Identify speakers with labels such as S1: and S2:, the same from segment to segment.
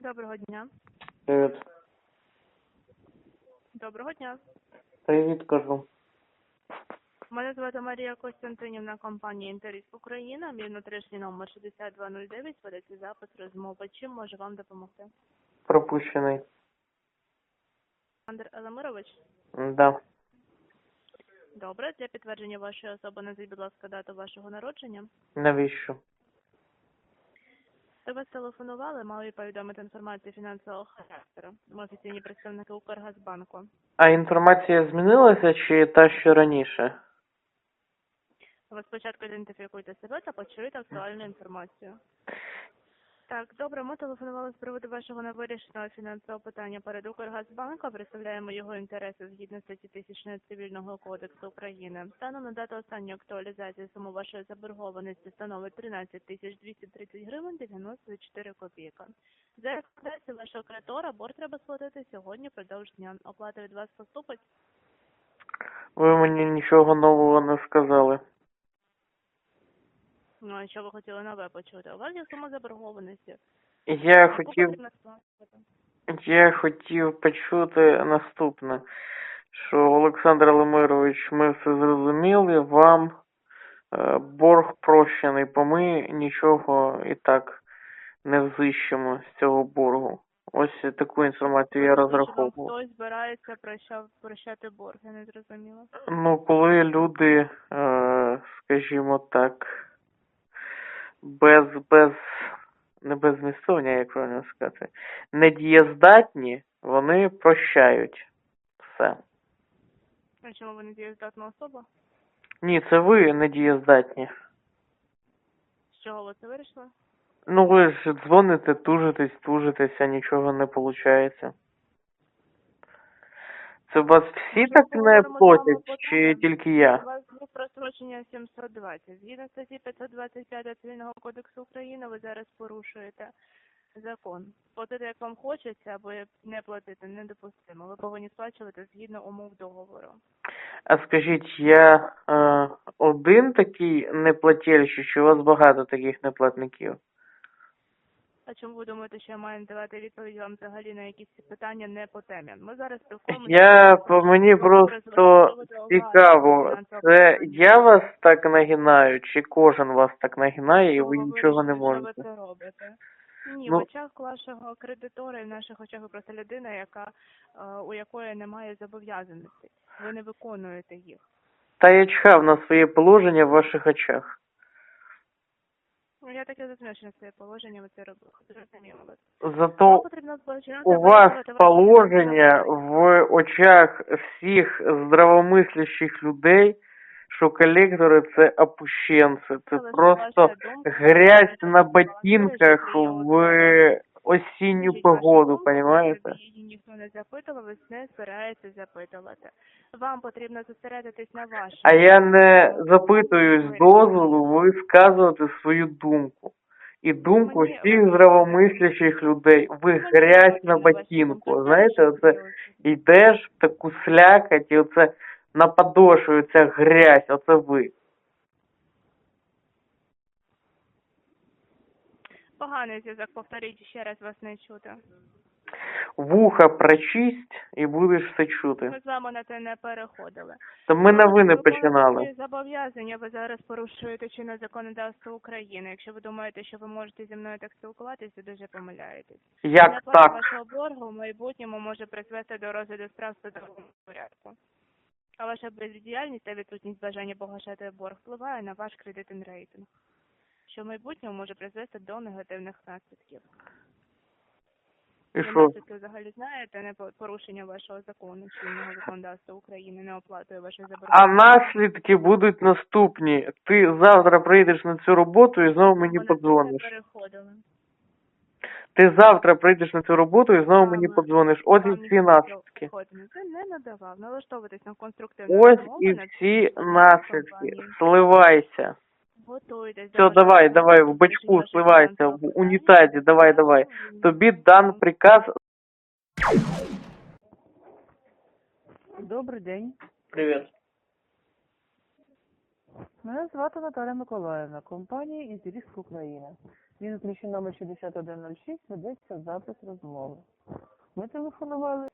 S1: Доброго дня.
S2: Привіт.
S1: Доброго дня.
S2: Привіт, кажу.
S1: Мене звати Марія Костянтинівна, компанія «Інтеріс Україна». Мій внутрішній номер 6209, ведеться запис розмови. Чим можу вам допомогти?
S2: Пропущений.
S1: Олександр Елемирович?
S2: Да.
S1: Добре. Для підтвердження вашої особи назвіть, будь ласка, дату вашого народження.
S2: Навіщо?
S1: До вас телефонували, мали повідомити інформацію фінансового характеру. Ми офіційні представники Укргазбанку.
S2: А інформація змінилася чи та, що раніше?
S1: Ви спочатку ідентифікуйте себе та почуєте актуальну інформацію. Так, добре, ми телефонували з приводу вашого невирішеного фінансового питання перед Укргазбанком. Представляємо його інтереси згідно статті 1000 Цивільного кодексу України. Станом на дату останньої актуалізації сума вашої заборгованості становить 13 230 гривень 94 копійки. За рекомендацією вашого кредитора борг треба сплатити сьогодні впродовж дня. Оплата від вас поступить?
S2: Ви мені нічого нового не сказали.
S1: Ну, а що ви хотіли нове почути? У вас є сума заборгованості.
S2: Я
S1: Яку
S2: хотів
S1: потрібно сплачувати?
S2: почути наступне, що Олександр Елемирович, ми все зрозуміли, вам борг прощений, бо ми нічого і так не взищимо з цього боргу. Ось таку інформацію я розраховував.
S1: Хтось збирається прощати борг, я не зрозуміла.
S2: Ну, коли люди, скажімо так, не беззмістовні, як правильно сказати, недієздатні, вони прощають все.
S1: А чому ви не дієздатна особа?
S2: Ні, це ви недієздатні.
S1: З чого ви це вирішили?
S2: Ну, ви ж дзвоните, тужитесь, а нічого не виходить. Це вас всі так не платять, чи тільки я?
S1: У вас є прострочення 720. Згідно статті 525 Цивільного кодексу України ви зараз порушуєте закон. Платити як вам хочеться, або не платити недопустимо. Ви повинні сплачувати згідно умов договору.
S2: А скажіть, я один такий неплательщик, чи у вас багато таких неплатників?
S1: А чому ви думаєте, що я маю давати відповідь вам взагалі на якісь питання не по темі? Ми зараз спілкуємося.
S2: Мені просто цікаво, це я вас так нагинаю, чи кожен вас так нагинає і ви нічого не можете?
S1: Що ви це робите? Ні,
S2: Ну,
S1: в очах вашого кредитора і в наших очах ви просто людина, у якої немає зобов'язаностей. Ви не виконуєте їх.
S2: та я чхав на своє положення в ваших очах.
S1: Ну, я таке зазначено своє положення, ви це робили. Зрозуміло.
S2: Зато у вас положення в очах всіх здравомислящих людей, що колектори – це опущенці, це просто грязь на ботинках в осінню погоду, понимаєте?
S1: Її ніхто не запитував, ви не збираєтеся запитувати. Вам потрібно зосередитись на вашому.
S2: А я не запитуюсь дозволу висказувати свою думку. І думку всіх здравомислящих людей. Ви грязь на ботинку. Знаєте, оце йдеш в таку слякоть, і оце на подошві ця грязь, оце ви.
S1: Поганий зв'язок, повторіть ще раз, вас не чути.
S2: Вуха прочисть і будеш все чути.
S1: Ми з вами на це не переходили.
S2: Та ми на ви не починали.
S1: Зобов'язання ви зараз порушуєте чинне законодавство України. Якщо ви думаєте, що ви можете зі мною так спілкуватися, ви дуже помиляєтесь.
S2: Як
S1: Неплата
S2: так?
S1: вашого боргу в майбутньому може призвести до розгляду справ в судовому порядку. А ваша бездіяльність та відсутність бажання погашати борг впливає на ваш кредитний рейтинг, що в майбутньому може призвести до негативних наслідків.
S2: І
S1: Ви
S2: що?
S1: наслідки взагалі знаєте, не порушення вашого закону, чинного законодавства України, не оплатою вашої заборгованості.
S2: А наслідки будуть наступні. Ти завтра прийдеш на цю роботу і знову мені подзвониш. Ти завтра прийдеш на цю роботу і знову мені подзвониш. Ось і всі наслідки.
S1: Це не надавав. Налаштовуватись на конструктивну
S2: Ось
S1: розмову,
S2: і
S1: на
S2: всі
S1: цій
S2: наслідки.
S1: компанії.
S2: Сливайся.
S1: Готуйтесь.
S2: Все, давай, в бачку сливайся, в унітазі, давай. Тобі дан приказ.
S3: Добрий день.
S2: Привіт.
S3: Мене звати Наталя Миколаївна, компанія «Інтеріск Україна». Відключення номер 6106 ведеться запис розмови. Ми телефонували.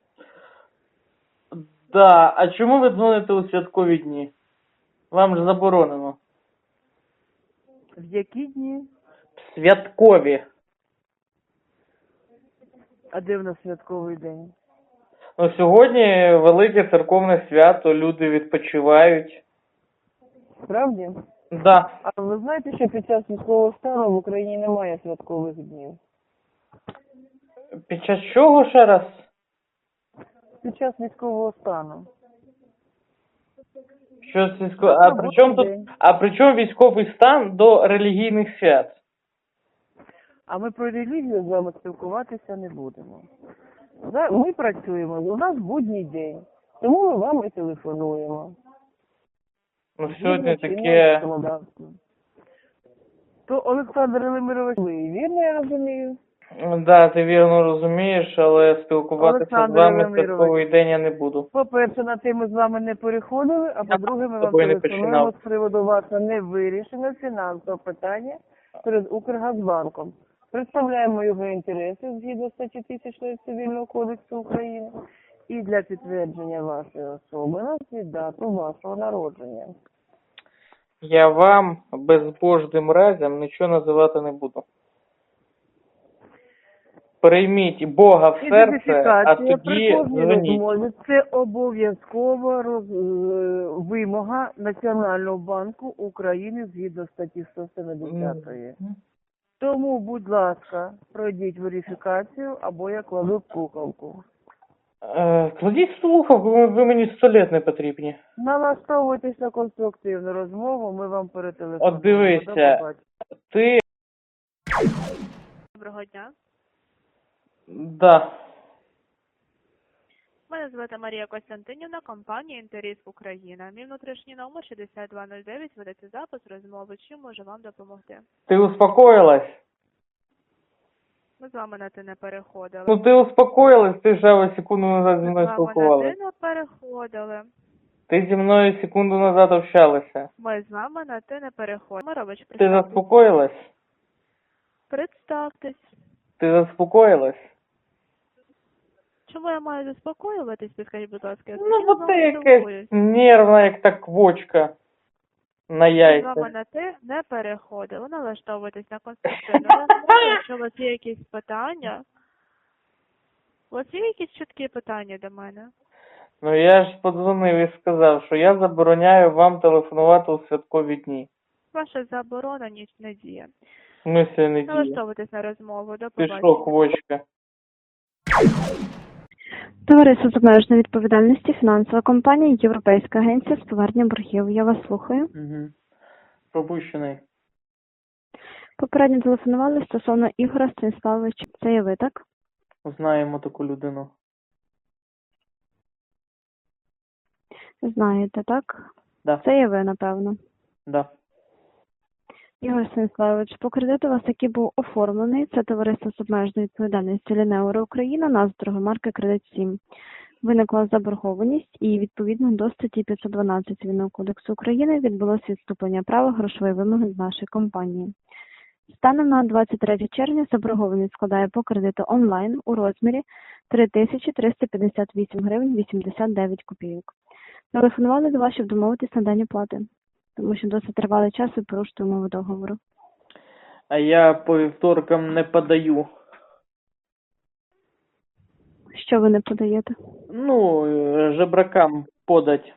S2: Да, а чому ви дзвоните у святкові дні? Вам ж заборонено.
S3: В які дні?
S2: Святкові.
S3: А де в нас святковий день?
S2: Ну, сьогодні велике церковне свято, люди відпочивають.
S3: Справді?
S2: Да.
S3: А ви знаєте, що під час військового стану в Україні немає святкових днів?
S2: Під час чого ще раз?
S3: Під час військового стану.
S2: Що з А при чому тут? А при чому військовий стан до релігійних свят?
S3: А ми про релігію з вами спілкуватися не будемо. Ми працюємо, у нас будній день, тому ми вам і телефонуємо.
S2: Ну, сьогодні
S3: Згідно чинного
S2: таке...
S3: законодавства. То Олександр Елемирович, ви вірно я розумію?
S2: Да, ти вірно розумієш, але спілкуватися з
S3: Олександр
S2: вами в
S3: Володимирович.
S2: святковий день я не буду.
S3: По-перше, на те ми з вами не переходили, а по-друге, ми
S2: з
S3: вам
S2: тобою не
S3: телефонуємо
S2: починав.
S3: з приводу вашого невирішеного фінансового питання перед Укргазбанком. Представляємо його інтереси згідно статті 1000 Цивільного кодексу України і для підтвердження вашої особи назвіть дату вашого народження.
S2: Я вам безбожним разом нічого називати не буду. Прийміть Бога в серце, а
S3: Ідентифікація
S2: тоді
S3: при кожній
S2: дзвоніть.
S3: розмові – це обов'язкова вимога Національного банку України згідно статті 170. Тому, будь ласка, пройдіть верифікацію або я кладу слухавку.
S2: Кладіть слухавку, ви мені 100 літ не потрібні.
S3: Налаштовуйтесь на конструктивну розмову, ми вам перетелефонуємо.
S2: От дивися.
S3: До побачення.
S2: Ти...
S1: Доброго дня.
S2: Да.
S1: Мене звати Марія Костянтинівна, компанія «Інтеріск Україна». Мій внутрішній номер 6209, ведеться запис розмови. Чим можу вам допомогти?
S2: Ти успокоїлась?
S1: Ми з вами на ти не переходили.
S2: Ну ти успокоїлась, ти ж секунду назад зі
S1: Ми з
S2: мною
S1: вами на
S2: спілкувалась.
S1: ти не переходили.
S2: Ти зі мною секунду назад общалася.
S1: Ми з вами на ти не переходили. Мирович,
S2: Ти
S1: представтесь.
S2: заспокоїлась?
S1: Представтесь.
S2: Ти заспокоїлась?
S1: Чому я маю заспокоюватись, підкажіть, будь ласка? Я
S2: Ну,
S1: спокійно
S2: бо
S1: з
S2: ти
S1: вами
S2: якась
S1: спілкуюсь.
S2: нервна, як та квочка на
S1: Ми з вами
S2: яйцях.
S1: на ти не переходили. Налаштовуйтесь на конструктивну розмову. Якщо у вас є якісь питання, у вас є якісь чіткі питання до мене?
S2: Ну я ж подзвонив і сказав, що я забороняю вам телефонувати у святкові дні.
S1: Ваша заборона не діє.
S2: В смислі не діє.
S1: Налаштовуйтесь на розмову. До
S2: Ти що,
S1: побачення.
S2: квочка?
S4: Товариство з обмеженою відповідальністю, фінансова компанія, Європейська агенція з повернення боргів. Я вас слухаю.
S2: Угу. Пропущений.
S4: Попередньо телефонували стосовно Ігоря Станіславовича. Це є ви, так?
S2: Знаємо таку людину.
S4: Знаєте, так?
S2: Да.
S4: Це є ви, напевно.
S2: Да.
S4: Ігор Станіславович, по кредиту у вас який був оформлений. Це товариство з обмеженою відповідальністю Лінеуро Україна, назва торгомарки «Кредит 7». Виникла заборгованість і відповідно до статті 512 Цивільного кодексу України відбулося відступлення права грошової вимоги з нашої компанії. Станом на 23 червня заборгованість складає по кредиту онлайн у розмірі 3358 гривень 89 копійок. Телефонували до вас, щоб домовитись на день оплати, тому що досить тривалий час ви порушуєте умови договору.
S2: А я по вівторкам не подаю.
S4: Що ви не подаєте?
S2: Ну, жебракам подать.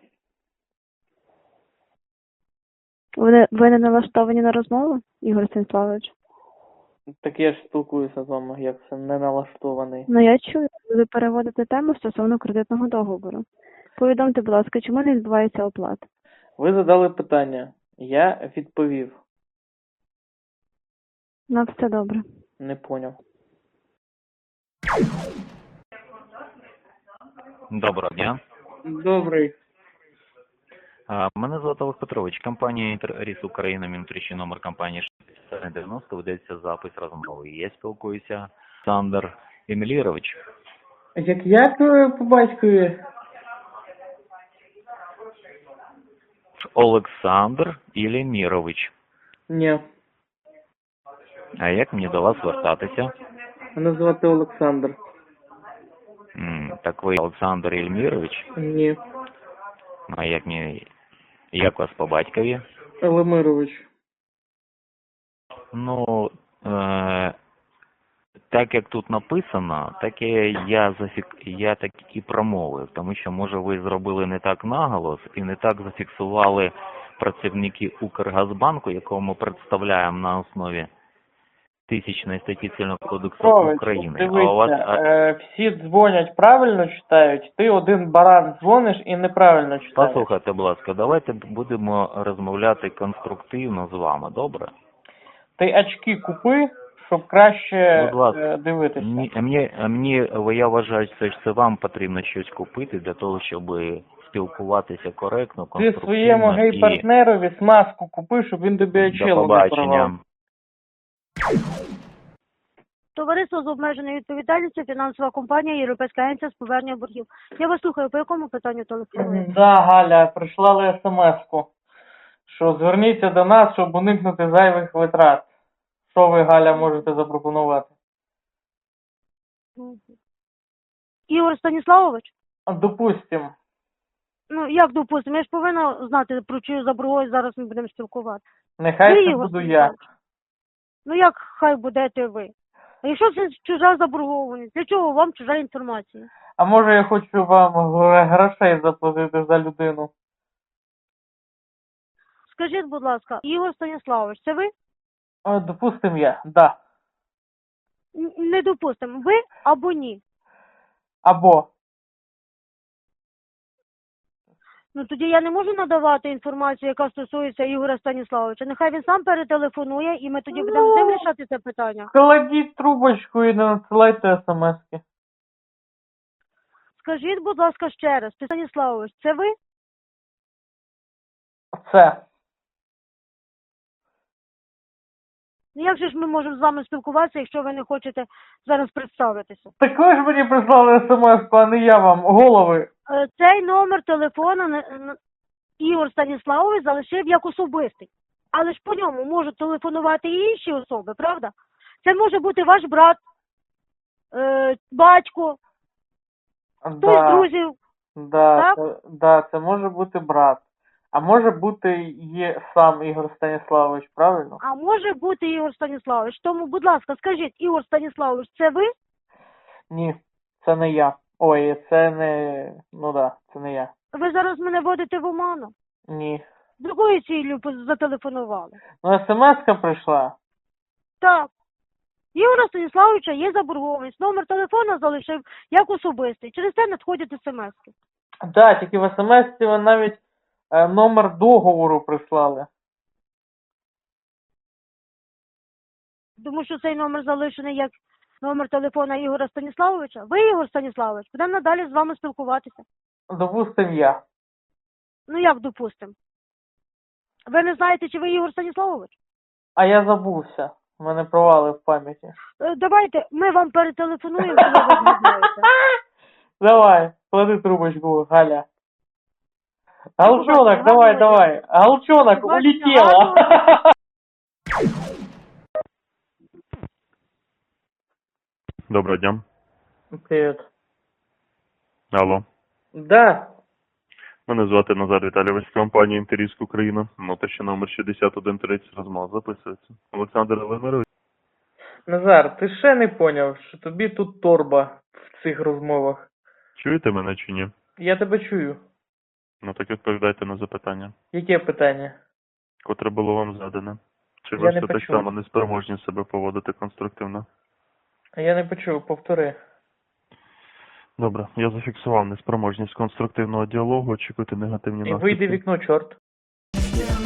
S4: Ви не налаштовані на розмову, Ігор Станіславович?
S2: Так я ж спілкуюся з вами, як це не налаштований.
S4: Ну, я чую, ви переводите тему стосовно кредитного договору. Повідомте, будь ласка, чому не відбувається оплата?
S2: Ви задали питання. Я відповів.
S4: На все добре.
S2: Не поняв.
S5: Доброго дня.
S2: Добрий.
S5: Мене звати Олег Петрович. Компанія «Інтеріск Україна», мій внутрішній номер компанії 6090, ведеться запис розмови. Я спілкуюся Олександр Емілірович.
S2: Як по батькові?
S5: Олександр Ілімірович.
S2: Ні.
S5: А як мені до вас звертатися?
S2: Мене звати Олександр.
S5: Так ви Олександр Ілімірович?
S2: Ні.
S5: А як вас по батькові?
S2: Елемирович.
S5: Ну, так як тут написано, так я так і промовив, тому що, може, ви зробили не так наголос і не так зафіксували працівники Укргазбанку, якого ми представляємо на основі 1000 статті Цивільного кодексу України. А у вас
S2: всі дзвонять, правильно читають, ти один баран дзвониш і неправильно читаєш.
S5: послухайте, будь ласка, давайте будемо розмовляти конструктивно з вами, добре?
S2: Ти очки купи, щоб краще
S5: Будь ласка.
S2: дивитися.
S5: Я вважаю, що це вам потрібно щось купити для того, щоб спілкуватися коректно,
S2: Ти
S5: конструктивно
S2: своєму
S5: і
S2: гей-партнерові смазку купи, щоб він тобі
S5: до
S2: очило не порвав.
S5: побачення.
S6: Товариство з обмеженою відповідальністю, фінансова компанія, Європейська агенція з повернення боргів. Я вас слухаю, по якому питанню телефонуєте?
S2: Да, Галя, прислали смс-ку, що зверніться до нас, щоб уникнути зайвих витрат. Що ви, Галя, можете запропонувати?
S6: Ігор Станіславович?
S2: Допустим.
S6: Ну, як допустимо, я ж повинна знати, про чию заборгованість зараз ми будемо спілкуватися.
S2: Нехай
S6: Ви,
S2: це
S6: Ігор
S2: буду я.
S6: Станіславович? Ну, як хай будете ви? А якщо це чужа заборгованість, для чого вам чужа інформація?
S2: А може я хочу вам грошей заплатити за людину?
S6: Скажіть, будь ласка, Ігор Станіславович, це ви?
S2: Допустим, я, да.
S6: Не допустимо, ви або ні?
S2: Або.
S6: Ну, тоді я не можу надавати інформацію, яка стосується Ігоря Станіславовича. Нехай він сам перетелефонує, і ми тоді будемо з ним рішати це питання.
S2: Кладіть трубочку і не надсилайте смс-ки.
S6: Скажіть, будь ласка, ще раз, Станіславович, це ви?
S2: Це.
S6: Ну, як же ж ми можемо з вами спілкуватися, якщо ви не хочете зараз представитися?
S2: Так ви ж мені прислали смс-ку, а не я вам. Голови.
S6: Цей номер телефону Ігор Станіславович залишив як особистий. Але ж по ньому можуть телефонувати і інші особи, правда? Це може бути ваш брат, батько, хтось з друзів. Так?
S2: Це може бути брат. А може бути є сам Ігор Станіславович, правильно?
S6: А може бути Ігор Станіславович. Тому, будь ласка, скажіть, Ігор Станіславович, це ви?
S2: Ні, це не я. Ой, це не... Ну да, це не я.
S6: Ви зараз мене водите в оману.
S2: Ні.
S6: З якою ціллю зателефонували?
S2: Ну, смс-ка прийшла.
S6: Так. Ігора Станіславовича є заборгованість. Номер телефону залишив як особистий. Через це надходять смс-ки.
S2: Да, тільки в смс-ці ви навіть номер договору прислали.
S6: Тому що цей номер залишений як номер телефона Ігора Станіславовича. Ви, Ігор Станіславович, будемо надалі з вами спілкуватися.
S2: Допустим, я.
S6: Ну як допустимо? Ви не знаєте, чи ви Ігор Станіславович?
S2: А я забувся. У мене провали в пам'яті.
S6: Давайте ми вам перетелефонуємо, коли ви знаєте.
S2: Давай, клади трубочку, Галя. Галчонок,
S6: Побачення,
S2: давай. Галчонок,
S6: Побачення,
S2: улетела.
S7: Доброго дня.
S2: Привіт.
S7: Алло.
S2: Да,
S7: Мене звати Назар Віталійович з компанії «Інтеріск Україна». Внутрішній номер 6130 розмова записується. Олександр Елемирович.
S2: Назар, ти ще не поняв, що тобі тут торба в цих розмовах?
S7: Чуєте мене чи ні?
S2: Я тебе чую.
S7: Ну так відповідайте на запитання.
S2: Яке питання?
S7: Котре було вам задане. Чи
S2: Я
S7: ви
S2: не
S7: все так
S2: почув.
S7: само неспроможні себе поводити конструктивно?
S2: Я не почув, повтори.
S7: Добре, я зафіксував неспроможність конструктивного діалогу, очікуйте негативні
S2: І
S7: наслідки.
S2: вийди в вікно, чорт.